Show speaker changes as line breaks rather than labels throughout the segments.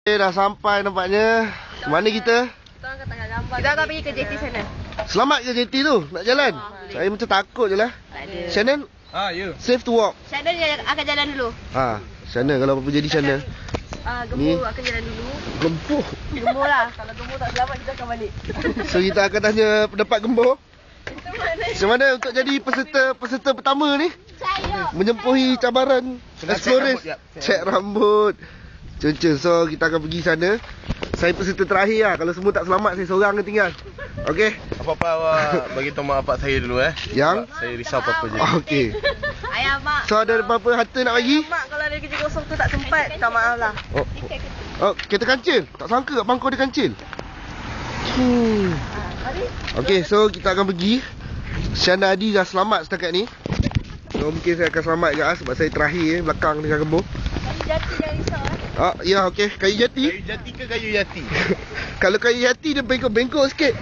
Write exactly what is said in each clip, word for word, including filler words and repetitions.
Eh, dah sampai nampaknya. Mana kita?
Kita akan pergi ke J T sana.
Selamat ke J T tu? Nak jalan? Oh, saya macam takut je lah.
Tak ada.
Shannon?
Ah, ya.
Safe to walk.
Shannon akan jalan dulu.
Ha, Shannon kalau apa-apa jadi Shannon.
Ah, Gembur akan jalan dulu.
Gembur.
Gembur lah. Kalau Gembur tak selamat, kita akan balik.
So kita akan tanya pendapat Gembur. Macam mana untuk jadi peserta peserta pertama ni?
Saya.
Menyempuhi cabaran Explorers. Cek rambut. Cun-cun. So kita akan pergi sana. Saya peserta terakhir lah. Kalau semua tak selamat, saya seorang yang tinggal. Okey?
Apa-apa awak bagi tahu mak bapak saya dulu eh.
Yang?
Sebab saya risau apa-apa je.
Okey.
Ayah, mak.
So ada apa-apa harta nak bagi?
Mak kalau ada kerja kosong tu tak sempat, minta maaf lah.
Oh, oh, kereta kancil. Tak sangka kat bangkau dia kancil. Hmm. Okey, so kita akan pergi. Syana Adi dah selamat setakat ni. So mungkin saya akan selamat juga sebab saya terakhir eh, belakang dengan Gembur.
Kayu jati jangan risau eh.
Ah, ya okey, kayu jati.
Kayu jati ke kayu yati?
Kalau kayu jati dia bengkok-bengkok sikit.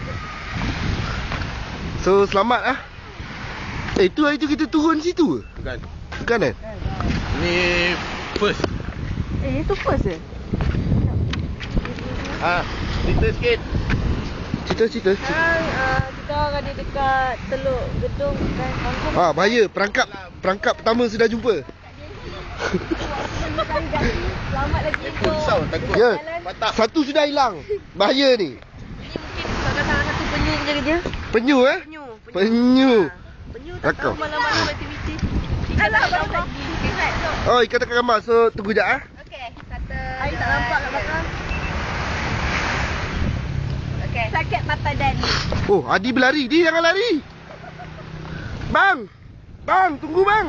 So selamat ah. Eh, tu hari tu kita turun situ ke?
Bukan.
Bukan kan?
Ni first.
Eh, itu first je.
Ah, cerita sikit.
Cerita-cerita.
Sekarang uh, kita orang ada dekat Teluk Gedung kan. Kampung.
Ah, bahaya. Perangkap perangkap pertama sudah jumpa.
Selamat lagi untuk
Risau takut.
Ya.
Patah.
Satu sudah hilang. Bahaya ni.
ini mungkin sebabkan salah satu penyu yang kerja.
Penyu eh?
Penyu.
Penyu.
Penyu tak
Rakam.
tahu malam-malam aktiviti. Alah, baru lagi.
Oh, ikat dekat gambar. So tunggu jap ah.
Okey, kata Air tak nampak kat belakang. Okey. Sakit mata dan.
Oh, Adi berlari. Dia jangan lari. Bang. Bang, tunggu bang.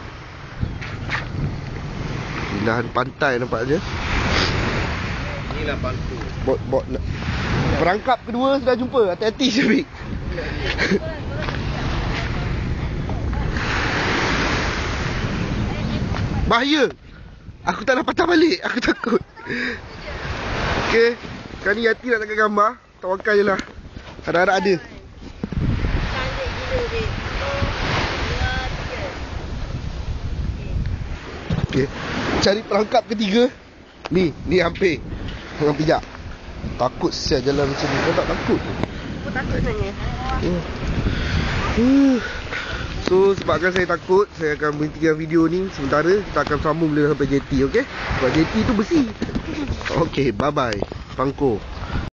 Ilahan pantai nampak je.
Inilah bangku.
Bot bot. Perangkap kedua sudah jumpa. Hati-hati Syafiq. Bahaya. Aku tak nak patah balik. Aku takut. Okey. Sekarang ni Yati nak tangkap gambar. Tawakal je lah. Harap-harap ada.
Cantik gila dia.
Okey. Cari perangkap ketiga. Ni, ni hampir. Jangan pijak. Takut siap jalan macam ni. Kau tak takut?
Aku takut sebenarnya.
Hmm. Hmm. So sebabkan saya takut, saya akan berhentikan video ni sementara. Kita akan sambung bila sampai J T, okey? Sebab J T tu besi. Okey, bye bye. Pangko.